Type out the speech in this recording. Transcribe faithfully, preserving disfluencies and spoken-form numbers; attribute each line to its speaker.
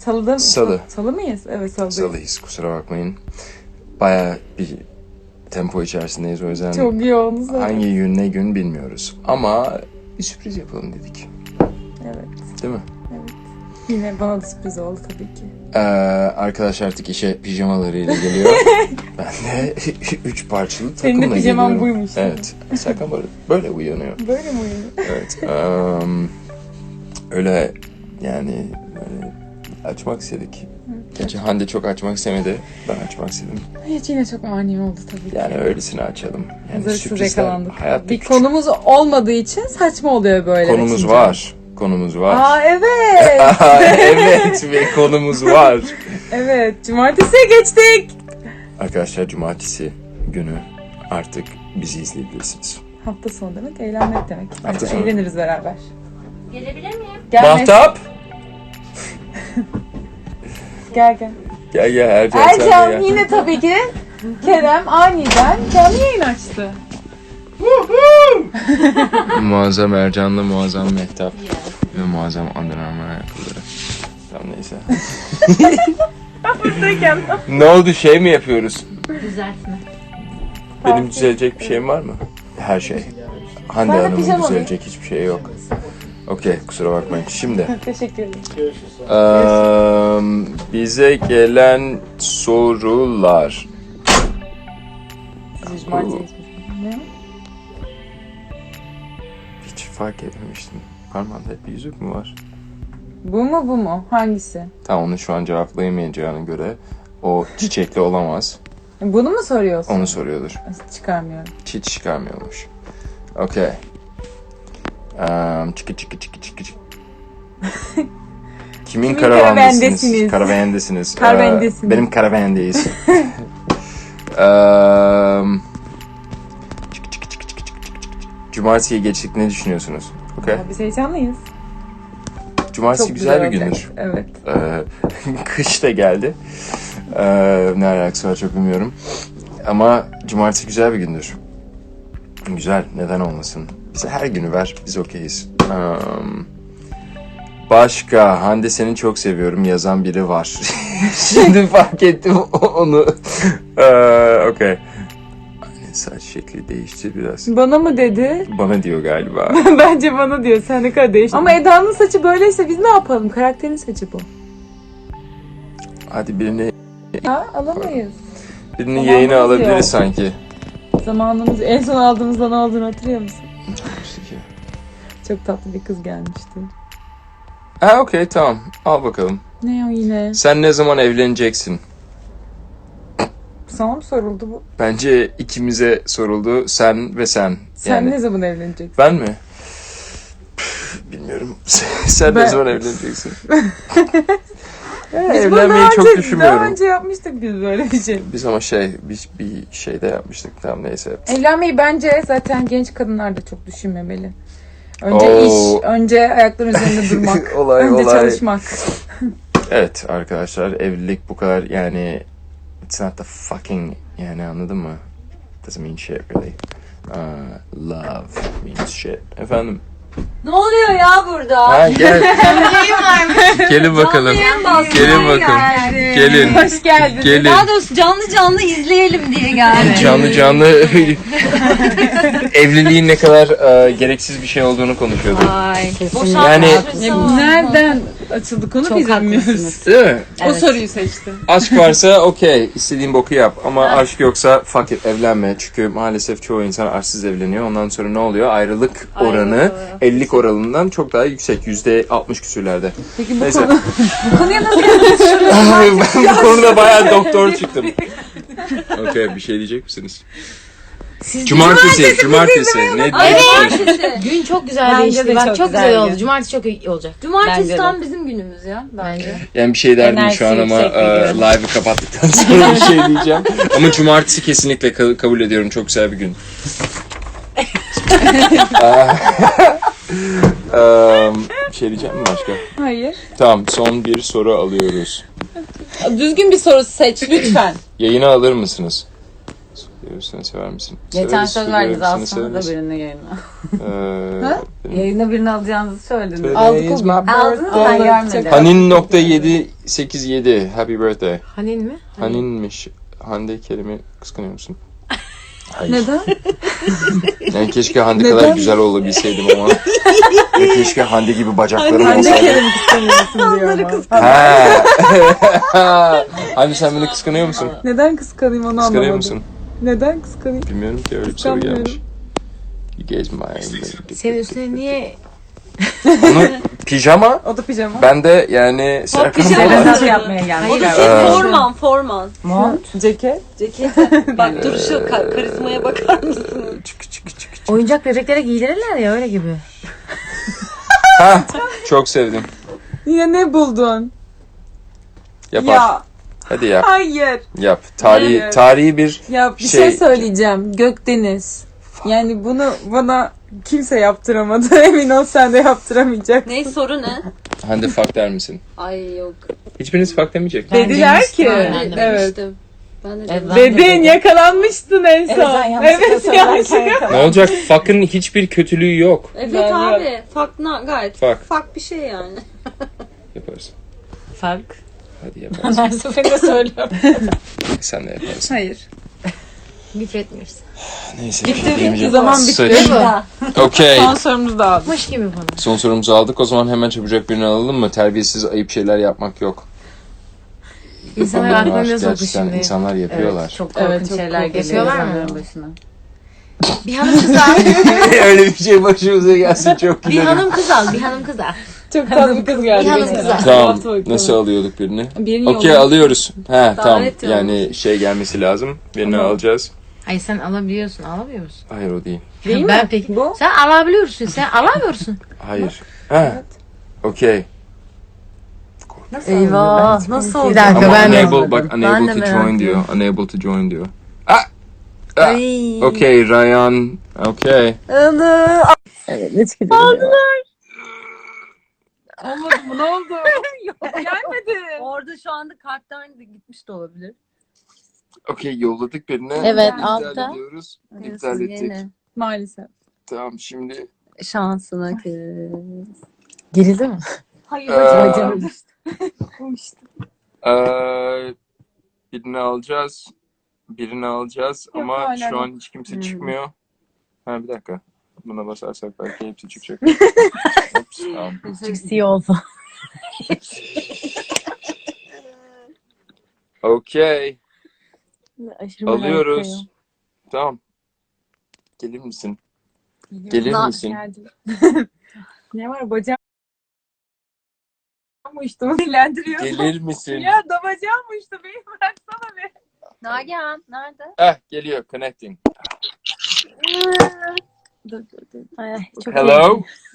Speaker 1: Salıda mı?
Speaker 2: Salı.
Speaker 1: Salı mıyız? Evet, salıyız.
Speaker 2: Salıyız, kusura bakmayın. Bayağı bir tempo içerisindeyiz o yüzden.
Speaker 1: Çok yoğunuz.
Speaker 2: Hangi gün ne gün bilmiyoruz. Ama bir sürpriz yapalım dedik.
Speaker 1: Evet.
Speaker 2: Değil mi?
Speaker 1: Evet. Yine bana da sürpriz oldu tabii ki.
Speaker 2: Ee, arkadaş artık işe pijamalarıyla geliyor. Ben de üç parçalı takımla
Speaker 1: Senin
Speaker 2: geliyorum.
Speaker 1: de pijaman buymuş.
Speaker 2: Evet. Serkan böyle, böyle uyanıyor.
Speaker 1: Böyle mi uyuyor?
Speaker 2: Evet. Um, öyle yani böyle açmak istedik. Gerçi Hande çok açmak istemedi. Ben açmak istedim.
Speaker 1: Hiç yine çok ani oldu tabii ki.
Speaker 2: Yani öylesine açalım. Yani
Speaker 1: Hazırsız
Speaker 2: sürprizler
Speaker 1: yakalandık.
Speaker 2: hayatta
Speaker 1: Bir
Speaker 2: küçük.
Speaker 1: konumuz olmadığı için saçma oluyor böyle.
Speaker 2: Konumuz
Speaker 1: açınca.
Speaker 2: var. Konumuz var.
Speaker 1: Aa evet.
Speaker 2: Evet ve konumuz var.
Speaker 1: Evet. Cumartesiye geçtik.
Speaker 2: Arkadaşlar cumartesi günü artık bizi izleyebilirsiniz.
Speaker 1: Hafta sonu demek eğlenmek demek.
Speaker 2: Hafta
Speaker 1: Bence
Speaker 2: sonu.
Speaker 1: eğleniriz beraber.
Speaker 3: Gelebilir miyim?
Speaker 1: Gel
Speaker 2: Mahtap!
Speaker 1: Gel gel.
Speaker 2: Gel gel Ercan, sen de
Speaker 1: Ercan
Speaker 2: gel.
Speaker 1: yine tabii ki Kerem aniden canlı yayın açtı.
Speaker 2: Muazzam Ercan'la muazzam Mehtap ve muazzam Under Armour ayakkabıları. Tamam neyse.
Speaker 1: Buradayken.
Speaker 2: Ne oldu, şey mi yapıyoruz?
Speaker 3: Düzeltme.
Speaker 2: Benim düzelecek bir şeyim var mı? Her şey. Hande
Speaker 1: Ben de
Speaker 2: Hanım'ın
Speaker 1: pijama
Speaker 2: düzelecek hiçbir şey yok. Okey, kusura bakmayın. Şimdi
Speaker 1: Teşekkür ederim.
Speaker 2: eee, bize gelen sorular.
Speaker 1: Siz cumartesi ne?
Speaker 2: Hiç fark etmemiştim. Parmağında hep bir yüzük mü var?
Speaker 1: Bu mu bu mu? Hangisi?
Speaker 2: Tamam, onu şu an cevaplayamayacağına göre o çiçekli olamaz.
Speaker 1: Bunu mu soruyorsun?
Speaker 2: Onu soruyordur.
Speaker 1: Çıkarmıyorum.
Speaker 2: Hiç çıkarmıyormuş. Okey. Um, çıkı çıkı çıkı çıkı çıkı. Kimin,
Speaker 1: Kimin
Speaker 2: karavandasınız?
Speaker 1: karavandesiniz?
Speaker 2: Karavandasınız.
Speaker 1: Karavandesiniz.
Speaker 2: Ee, benim karavandeyiz. um, çıkı çıkı çıkı çıkı çıkı çıkı. Cumartesiye geçtik, ne düşünüyorsunuz? Okey.
Speaker 1: Biz heyecanlıyız.
Speaker 2: Cumartesi
Speaker 1: Çok
Speaker 2: güzel bir
Speaker 1: olacak.
Speaker 2: gündür.
Speaker 1: Evet.
Speaker 2: Ee, kış da geldi. Ee, ne alakası var çok bilmiyorum. Ama cumartesi güzel bir gündür. Güzel, neden olmasın? Bize her günü ver, biz okeyiz. Um, başka, Hande seni çok seviyorum yazan biri var. Şimdi fark ettim onu. Ee, Okey. Anne saç şekli değişti biraz.
Speaker 1: Bana mı dedi?
Speaker 2: Bana diyor galiba.
Speaker 1: Bence bana diyor. Sen ne kadar değiştin. Ama Eda'nın saçı böyleyse biz ne yapalım? Karakterin saçı bu.
Speaker 2: Hadi birini,
Speaker 1: Ha alamayız.
Speaker 2: birini
Speaker 1: Tamam,
Speaker 2: yayına
Speaker 1: yok.
Speaker 2: alabiliriz sanki.
Speaker 1: Zamanımız en son aldığımızda ne olduğunu hatırlıyor musun?
Speaker 2: İşte ki.
Speaker 1: Çok tatlı bir kız gelmişti.
Speaker 2: Ha okey, tamam. Al bakalım.
Speaker 1: Ne o yine?
Speaker 2: Sen ne zaman evleneceksin?
Speaker 1: Sana mı soruldu bu?
Speaker 2: Bence ikimize soruldu. Sen ve sen.
Speaker 1: Sen
Speaker 2: yani.
Speaker 1: ne zaman evleneceksin?
Speaker 2: Ben mi? Püf, bilmiyorum. Sen
Speaker 1: Ben-
Speaker 2: ne zaman evleneceksin? Ya,
Speaker 1: Biz bunu
Speaker 2: evlenmeyi
Speaker 1: daha
Speaker 2: çok
Speaker 1: önce,
Speaker 2: düşünmüyorum.
Speaker 1: Daha önce yapmıştık biz böyle bir şey.
Speaker 2: Biz ama şey, bir, bir şeyde yapmıştık. Tamam neyse.
Speaker 1: Evlenmeyi bence zaten genç kadınlar da çok düşünmemeli. Önce
Speaker 2: Oo.
Speaker 1: iş, önce ayakların üzerinde durmak,
Speaker 2: Olay,
Speaker 1: önce
Speaker 2: olay.
Speaker 1: çalışmak.
Speaker 2: Evet arkadaşlar, evlilik bu kadar yani, it's not the fucking, yani anladın mı? Doesn't mean shit really. Uh, love means shit. Efendim?
Speaker 3: Ne oluyor ya burada?
Speaker 2: Ha gel. Gelin bakalım. Gelin bakın. Gelin.
Speaker 1: Hoş geldin.
Speaker 2: Gelin.
Speaker 3: Daha doğrusu canlı canlı izleyelim diye geldim.
Speaker 2: Canlı canlı evliliğin ne kadar e, gereksiz bir şey olduğunu konuşuyorduk.
Speaker 3: Ay.
Speaker 2: Yani-
Speaker 1: Nereden açıldı konu
Speaker 3: Çok
Speaker 1: biz bilmiyoruz.
Speaker 3: haklısınız.
Speaker 2: Değil mi?
Speaker 1: O
Speaker 3: Evet.
Speaker 1: soruyu seçti.
Speaker 2: Aşk varsa okey, istediğin boku yap. Ama aşk yoksa fuck it, evlenme. Çünkü maalesef çoğu insan aşksız evleniyor. Ondan sonra ne oluyor? Ayrılık oranı
Speaker 3: Ayrılık.
Speaker 2: evlilik oranından çok daha yüksek. yüzde altmış küsürlerde.
Speaker 1: Peki bu,
Speaker 2: Neyse.
Speaker 1: konu, bu konuya nasıl
Speaker 2: Ben bu konuda bayağı doktor çıktım. Okey, bir şey diyecek misiniz? Cumartesi, cumartesi. Ne
Speaker 3: Ay,
Speaker 2: diyorsunuz?
Speaker 3: Gün çok güzel
Speaker 1: Bence
Speaker 3: değişti.
Speaker 1: de
Speaker 3: Bak
Speaker 1: çok
Speaker 3: çok
Speaker 1: güzel
Speaker 3: güzel
Speaker 1: ya.
Speaker 3: oldu. Cumartesi çok iyi olacak.
Speaker 4: Cumartesi
Speaker 3: Bence de.
Speaker 4: tam bizim günümüz ya bence.
Speaker 2: Yani bir şey derdim şu an
Speaker 3: Enerjisi
Speaker 2: ama
Speaker 3: yüksek
Speaker 2: e,
Speaker 3: bir gün.
Speaker 2: live'ı kapattıktan sonra bir şey diyeceğim. Ama cumartesi kesinlikle ka- kabul ediyorum. Çok güzel bir gün. um, bir şey diyeceğim mi başka?
Speaker 1: Hayır.
Speaker 2: Tamam, son bir soru alıyoruz.
Speaker 1: Düzgün bir soru seç lütfen.
Speaker 2: Yayına alır mısınız? Seviyorsan sever misin?
Speaker 4: Geçen
Speaker 2: Severiz,
Speaker 4: söz
Speaker 2: seviyorum,
Speaker 4: verdiniz
Speaker 2: seni
Speaker 4: aslında da
Speaker 2: severiz.
Speaker 4: birini yayına.
Speaker 2: Ee,
Speaker 4: Yayına birini alacağınızı söylediniz.
Speaker 2: Today
Speaker 1: Aldık
Speaker 2: is
Speaker 1: o
Speaker 2: my
Speaker 1: gün.
Speaker 4: Aldınız
Speaker 2: birthday.
Speaker 4: ben görmedim.
Speaker 2: Hanin nokta yedi sekiz yedi. Happy birthday.
Speaker 5: Hanin mi?
Speaker 2: Haninmiş. Hande Kerim'i kıskanıyor musun? Hayır.
Speaker 1: Neden?
Speaker 2: Yani keşke Hande kadar
Speaker 1: Neden?
Speaker 2: güzel olabilseydim ama. Ve keşke Hande gibi bacaklarım
Speaker 1: Hande
Speaker 2: olsaydı.
Speaker 1: Kerem'i kıskanıyorsun diyor ama.
Speaker 2: Ha. Hande sen beni kıskanıyor musun?
Speaker 1: Neden kıskanayım onu
Speaker 2: Kıskanıyor
Speaker 1: anlamadım.
Speaker 2: musun?
Speaker 1: Neden kıskanayım?
Speaker 2: Bilmiyorum ki öyle bir soru
Speaker 1: Kıskanmıyorum.
Speaker 2: gelmiş. You guys my...
Speaker 5: Senin üstüne niye
Speaker 2: Onu pijama.
Speaker 1: O da pijama.
Speaker 2: Ben de yani Serkan
Speaker 3: pijama.
Speaker 2: falan.
Speaker 1: Nasıl yapmaya gelmiş?
Speaker 3: O da
Speaker 2: Ee,
Speaker 3: şey forman forman.
Speaker 1: Mont. Ceket.
Speaker 3: Ceket. Bak dur şu ka- karizmaya bakar mısın?
Speaker 2: Çık çık çık çık.
Speaker 5: oyuncak bebeklere giydirirler ya öyle gibi.
Speaker 2: Ha, çok sevdim.
Speaker 1: Yine ne buldun?
Speaker 2: Yapar.
Speaker 1: Ya
Speaker 2: Hadi yap.
Speaker 1: hayır.
Speaker 2: Yap. Tarihi
Speaker 1: Hayır.
Speaker 2: tarihi bir
Speaker 1: Ya bir
Speaker 2: Şey-
Speaker 1: şey, söyleyeceğim. Gökdeniz. Yani bunu bana kimse yaptıramadı. Emin ol sen de yaptıramayacaksın.
Speaker 3: Ne soru ne?
Speaker 2: Hande fuck der misin?
Speaker 3: Ay yok.
Speaker 2: Hiçbiriniz fuck demeyecek.
Speaker 5: Ben
Speaker 1: Dediler
Speaker 5: demiştim,
Speaker 1: ki.
Speaker 5: ben
Speaker 3: Ben
Speaker 5: de
Speaker 1: Evet.
Speaker 3: demiştim. Ben de
Speaker 5: Evet,
Speaker 3: dedim.
Speaker 5: ben-
Speaker 1: Dedin yakalanmıştın en son.
Speaker 5: sen yanlışlıkla
Speaker 1: Evet
Speaker 5: söylerken
Speaker 1: yanlışlıkla.
Speaker 2: Ne olacak? Fuck'ın hiçbir kötülüğü yok.
Speaker 3: Evet
Speaker 1: Ben
Speaker 3: abi. Fuck na gayet.
Speaker 2: Fuck.
Speaker 3: Fuck bir şey yani.
Speaker 2: Yaparız.
Speaker 5: Fark.
Speaker 2: Hadi yaparız.
Speaker 5: Her seferinde söylüyorum.
Speaker 2: Sen de yaparsın.
Speaker 1: Hayır.
Speaker 5: Lütfetmiyoruz.
Speaker 2: Neyse.
Speaker 1: Bitti,
Speaker 2: bir şey diyemeyeceğim.
Speaker 1: bitti, zaman bitti.
Speaker 2: Sıç. Okey.
Speaker 1: Son sorumuzu da aldık.
Speaker 5: Mış gibi bana.
Speaker 2: Son sorumuzu aldık. O zaman hemen çabucak birini alalım mı? Terbiyesiz ayıp şeyler yapmak yok.
Speaker 5: İnsanlar
Speaker 2: Onlar
Speaker 5: aklına
Speaker 2: var.
Speaker 5: ne soktu
Speaker 2: Gerçekten
Speaker 5: şimdi?
Speaker 2: insanlar yapıyorlar.
Speaker 4: Çok korkunç
Speaker 1: Evet, çok
Speaker 4: şeyler
Speaker 1: korkunç.
Speaker 4: geliyor
Speaker 5: Yapıyorlar mı?
Speaker 4: insanların başına.
Speaker 5: Bir hanım kız al.
Speaker 2: Öyle bir şey başımıza gelsin çok
Speaker 5: Bir
Speaker 2: güzel.
Speaker 5: hanım kız al. Bir hanım kız al.
Speaker 1: Çok tatlı bir kız geldi.
Speaker 5: Bir hanım
Speaker 1: geçen
Speaker 5: kız
Speaker 1: hafta.
Speaker 5: al.
Speaker 1: Bu
Speaker 2: Tamam.
Speaker 1: hafta bakalım.
Speaker 2: Nasıl alıyorduk birini?
Speaker 1: Birini
Speaker 2: Okey
Speaker 1: yolla.
Speaker 2: alıyoruz. He tamam.
Speaker 3: yollamış.
Speaker 2: Yani şey gelmesi lazım. Birini
Speaker 1: Tamam.
Speaker 2: alacağız.
Speaker 5: Hayır sen alabiliyorsun. Alamıyor musun?
Speaker 2: Hayır o değil.
Speaker 1: Değil
Speaker 5: ben
Speaker 1: mi?
Speaker 5: peki.
Speaker 1: Bu?
Speaker 5: Sen alabiliyorsun. Sen alamıyorsun.
Speaker 2: Hayır. Ha. Okey.
Speaker 4: Eyvah nasıl
Speaker 5: Bir
Speaker 4: oldu?
Speaker 5: dakika
Speaker 2: Ama
Speaker 5: ben de.
Speaker 2: unable, bak
Speaker 4: Ben
Speaker 2: unable
Speaker 4: de
Speaker 2: to
Speaker 4: merak
Speaker 2: join diyor.
Speaker 4: ediyorum.
Speaker 2: Unable to join diyor. Ah! ah.
Speaker 4: Ay.
Speaker 2: Okey Ryan. Okey.
Speaker 4: Ilı.
Speaker 1: Evet ne çıkacak? Aldılar. Olmadı mı? Ne oldu? Gelmedi.
Speaker 4: Orada şu anda karttan da gitmiş de olabilir.
Speaker 2: Okey yolladık birine.
Speaker 4: Evet,
Speaker 2: İptal
Speaker 4: altta.
Speaker 2: ediyoruz. İptal
Speaker 4: Diyorsun
Speaker 2: ettik.
Speaker 4: yine.
Speaker 1: Maalesef.
Speaker 2: Tamam şimdi.
Speaker 4: Şansına kız.
Speaker 5: Gerildi mi?
Speaker 1: Hayır
Speaker 2: Ee,
Speaker 1: bacım.
Speaker 2: Eee birini alacağız. Birini alacağız
Speaker 1: Yok,
Speaker 2: ama
Speaker 1: hala
Speaker 2: şu
Speaker 1: yok.
Speaker 2: an hiç kimse
Speaker 4: Hmm.
Speaker 2: çıkmıyor. Ha bir dakika. Buna basarsak belki hepsi çıkacak. Ops, tamam.
Speaker 5: Cici oldu.
Speaker 2: Okey.
Speaker 4: Aşırı merak
Speaker 2: Alıyoruz.
Speaker 4: ediyorum.
Speaker 2: Tamam. Gelir misin? Gelir
Speaker 4: Na-
Speaker 2: misin?
Speaker 1: Ne var bacağım uçtu mu dilendiriyor.
Speaker 2: Gelir misin?
Speaker 1: Ya da bacağım uçtu beni bıraksana be.
Speaker 4: Nagihan nerede?
Speaker 2: Ah geliyor. Connecting.
Speaker 4: Dur dur dur. Ay, çok
Speaker 2: Hello.